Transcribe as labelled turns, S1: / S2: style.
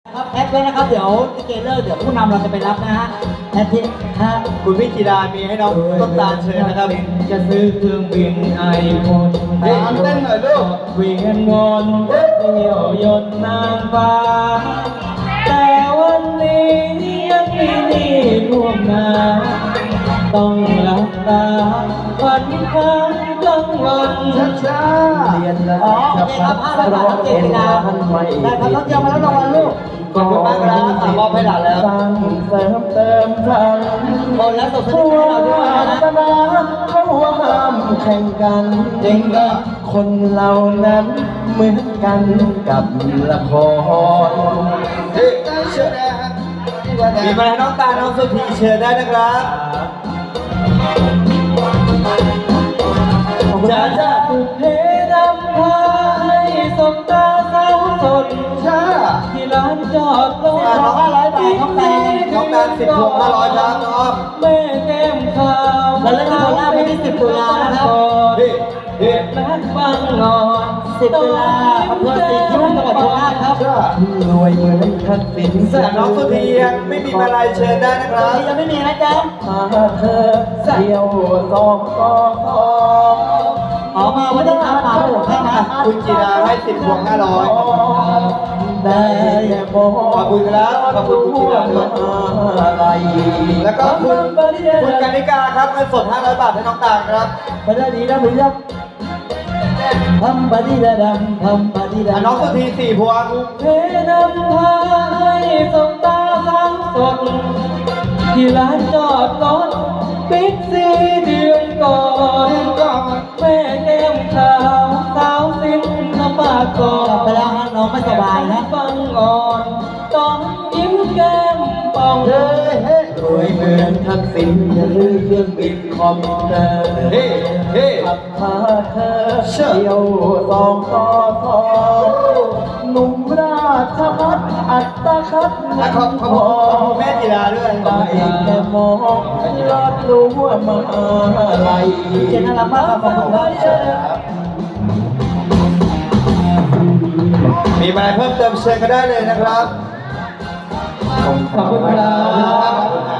S1: ครับแอดไว้นะครับเดี๋ยวลิเกเลิกเดี๋ยวผู้นำเราจะไปรับนะฮะแอดที่ฮะ
S2: คุณพี่จิดามีให้น้องต้นตาลเชิญนะครับ
S3: จะซื้อเครื่องบินไอโฟน
S2: เฮ้ยเต้นหน่อยลูก
S3: เวียนวนเที่ยวยนต์นางฟ้าแต่วันนี้ยังมีหนี้ท่วมหน้าต้องหลับตาฝันค้างกลางวัน
S2: ช้า
S3: เรียนแล้ว
S1: อ๋อโอเคครับ500 บาทน้องเจษฎาได้ครับน้องเจียวมาแล้วรางวัลลูก
S2: ขอบคุณมากครับมอบให้หลานแล้ว
S3: สร้างเสริมเติมทัน
S1: โอนแล้วส่งสลิปให้เราด้วยนะ
S3: ศาสนาเขาว่าห้ามแข่งกัน
S1: จริงเหรอ
S3: คนเรานั้นเหมือนกันกับละคร
S2: เฮ้ยเชิญนะฮะมีมาให้น้องตาลน้องสุธีเชิญได้นะครับ
S3: จะเพดำพาให้สมตาสาวสด
S2: ช้า
S3: ที่ร้านจอดรถ
S1: น้อง500 บาทน้องแตง
S2: น้องตาล10 พวง500ครับน้องอ้อม
S3: แม่แก้มขาว
S1: เราเล่นที่โคราชวันที่10 ตุลานะครับ
S2: เฮ้ยเฮ้ย
S3: นักฟังนอน
S1: 10 ตุลาอำเภอศรีคิ้วจังหวัดโคราชครับ
S2: ช้าร
S3: วยเหมือนทักษิณ
S2: แต่น้องสุธียังไม่มีมาลัยเชิญได้นะค
S1: ตอ
S2: รั
S1: น
S2: บ
S1: นี้ยังไม่มีนะจ๊ะ
S3: พาเธอเที่ยวสองก็สอง
S1: ขอมาวันนี้ครับมาให้ผมให้นะ
S2: คุณจิดาให้10 พวง500
S3: ได้มอง
S2: ขอบคุณครับขอบคุณคุณจิดาด้วย
S3: อะไร
S2: แล้วก็คุณกนิกาครับเงินสด500 บาทให้น้องตาลครับ
S1: ไปได้ดีนะพี่ยับทำปฏิดาดำทำปฏิดา
S2: น้องสุธี4 พวง
S3: เพนำพาให้สมตาสังสดที่ร้านจอดรถบิ๊กซีเดือนก่อนแม่แก้มขาวสาวสิ้นน้ำปากก่อก
S1: ลับไป
S3: น
S1: แล้วฮะน้องไม่สบายนะ
S3: ฟังอ่อนต้องยิ้มแก้มป่อง
S2: เฮ้ยเฮ้ย
S3: รวยเหมือนทักษิณอย่าลืมเครื่องบินคอมพิวเตอร์
S2: เฮ้เฮ้
S3: ขับพาเธอเที่ยวสองต่อสองหนุ่มราชพัฒอัตคัด
S2: และขอบคุณแม่จิดาด้วย
S3: ได้แค่มองยอดรู้ว่ามาอะไร
S1: เจนน่ารักมากครับขอบคุณครับ
S2: มีมาเพิ่มเติมเชิญก็ได้เลยนะครับ
S3: ขอบคุณครับ